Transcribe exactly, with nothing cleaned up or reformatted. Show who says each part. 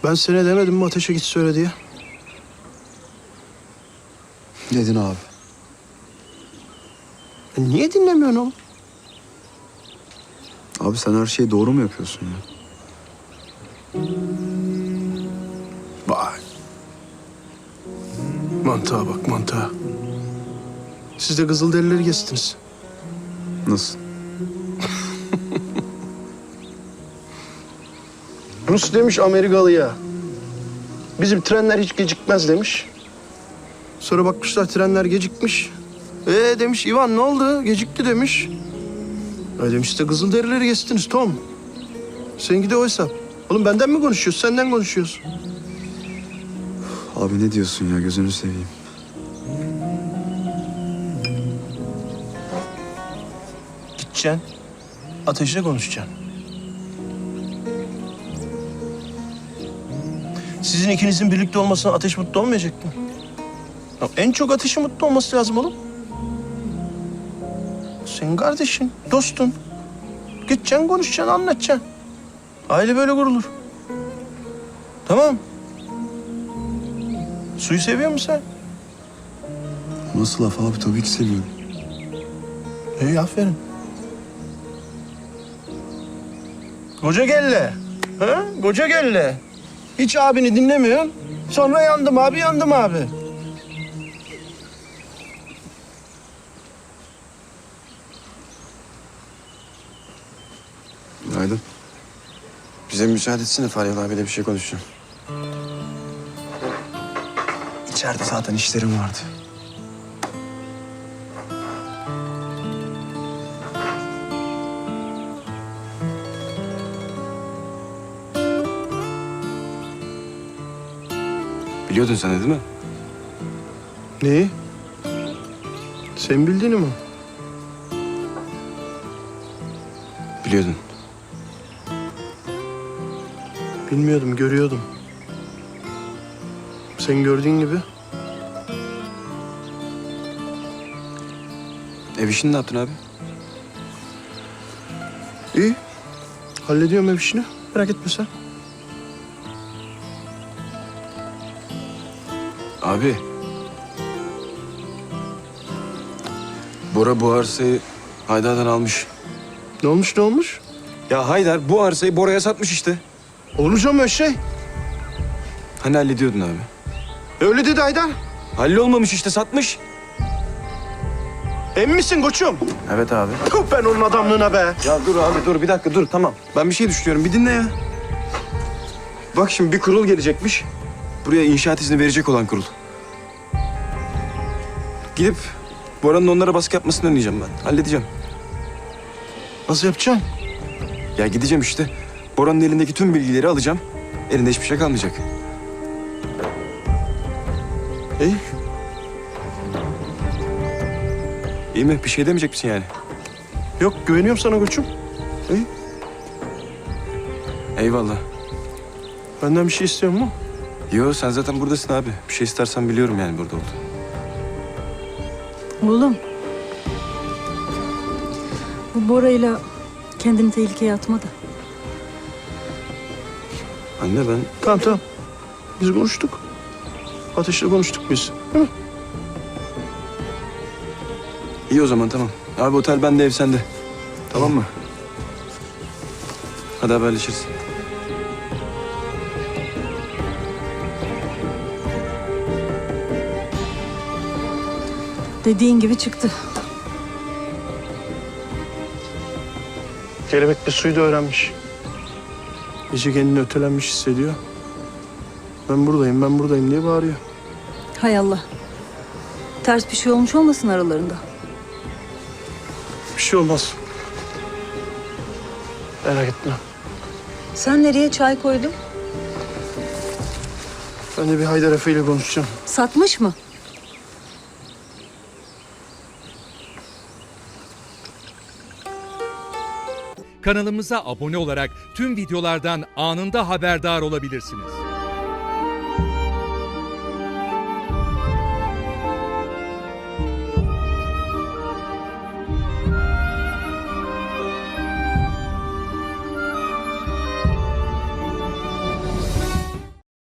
Speaker 1: Ben sana demedim mi ateşe git söyle diye?
Speaker 2: Dedin abi.
Speaker 1: E niye dinlemiyorsun oğlum?
Speaker 2: Abi sen her şeyi doğru mu yapıyorsun ya?
Speaker 1: Vay. Mantığa bak mantığa. Siz de Kızılderilileri geçtiniz.
Speaker 2: Nasıl?
Speaker 1: Rus demiş Amerikalı'ya. Bizim trenler hiç gecikmez demiş. Sonra bakmışlar trenler gecikmiş. Ee demiş Ivan ne oldu? Gecikti demiş. E demiş işte Kızılderilileri geçtiniz Tom. Seninki de o hesap. Oğlum benden mi konuşuyorsun? Senden konuşuyoruz.
Speaker 2: Abi ne diyorsun ya, gözünü seveyim.
Speaker 1: Gideceksin. Ateşle konuşacaksın. Sizin ikinizin birlikte olmasına Ateş mutlu olmayacak mı? Ya en çok Ateş'in mutlu olması lazım oğlum. Senin kardeşin, dostun. Gideceksin, konuşacaksın, anlatacaksın. Aile böyle kurulur. Tamam. Suyu seviyor musun sen?
Speaker 2: Nasıl laf abi, tabii ki seviyorum.
Speaker 1: İyi, aferin. Koca gelle. Ha? Koca gelle. Hiç abini dinlemiyorsun. Sonra yandım abi, yandım abi.
Speaker 2: Günaydın.
Speaker 3: Bize müsaade etsene, Faryalı abiyle bir şey konuşacağım.
Speaker 2: İçeride zaten işlerim vardı.
Speaker 3: Biliyordun sen de değil mi?
Speaker 1: Neyi? Sen bildiğini mi?
Speaker 3: Biliyordun.
Speaker 1: Bilmiyordum, görüyordum. Sen gördüğün gibi.
Speaker 3: Ev işini ne yaptın abi?
Speaker 1: İyi. Hallediyorum ev işini. Merak etme sen.
Speaker 3: Abi. Bora bu arsayı Haydar'dan almış.
Speaker 1: Ne olmuş, ne olmuş?
Speaker 3: Ya Haydar bu arsayı Bora'ya satmış işte.
Speaker 1: Olmuş ama şey.
Speaker 3: Hani hallediyordun abi?
Speaker 1: Öyle dedi Haydar.
Speaker 3: Hallolmamış işte, satmış.
Speaker 1: Emin misin koçum?
Speaker 3: Evet abi.
Speaker 1: Tüh, ben onun adamlığına be.
Speaker 3: Ya dur abi dur, bir dakika dur, tamam. Ben bir şey düşünüyorum, bir dinle ya. Bak şimdi bir kurul gelecekmiş. Buraya inşaat izni verecek olan kurul. Gidip Bora'nın onlara baskı yapmasını önleyeceğim ben. Halledeceğim.
Speaker 1: Nasıl yapacaksın?
Speaker 3: Ya gideceğim işte. Bora'nın elindeki tüm bilgileri alacağım. Elinde hiçbir şey kalmayacak.
Speaker 1: İyi.
Speaker 3: İyi mi? Bir şey demeyecek misin yani?
Speaker 1: Yok, güveniyorum sana koçum. İyi.
Speaker 3: Eyvallah.
Speaker 1: Benden bir şey istiyor mu?
Speaker 3: Yo, sen zaten buradasın abi. Bir şey istersen biliyorum yani burada olduğunu.
Speaker 4: Oğlum. Bu Bora'yla kendini tehlikeye atma da.
Speaker 3: Anne ben...
Speaker 1: Tamam tamam. Biz konuştuk. Ateşle konuştuk biz. Hı?
Speaker 3: İyi o zaman, tamam. Abi otel bende, ev sende. Tamam mı? Hadi haberleşiriz.
Speaker 4: Dediğin gibi çıktı.
Speaker 1: Kelebek bir suyu da öğrenmiş. Gece kendini ötelenmiş hissediyor. Ben buradayım, ben buradayım diye bağırıyor.
Speaker 4: Hay Allah. Ters bir şey olmuş olmasın aralarında.
Speaker 1: Bir şey olmaz. Merak etme.
Speaker 4: Sen nereye çay koydun?
Speaker 1: Ben de bir Haydar Efe ile konuşacağım.
Speaker 4: Satmış mı?
Speaker 5: Kanalımıza abone olarak tüm videolardan anında haberdar olabilirsiniz.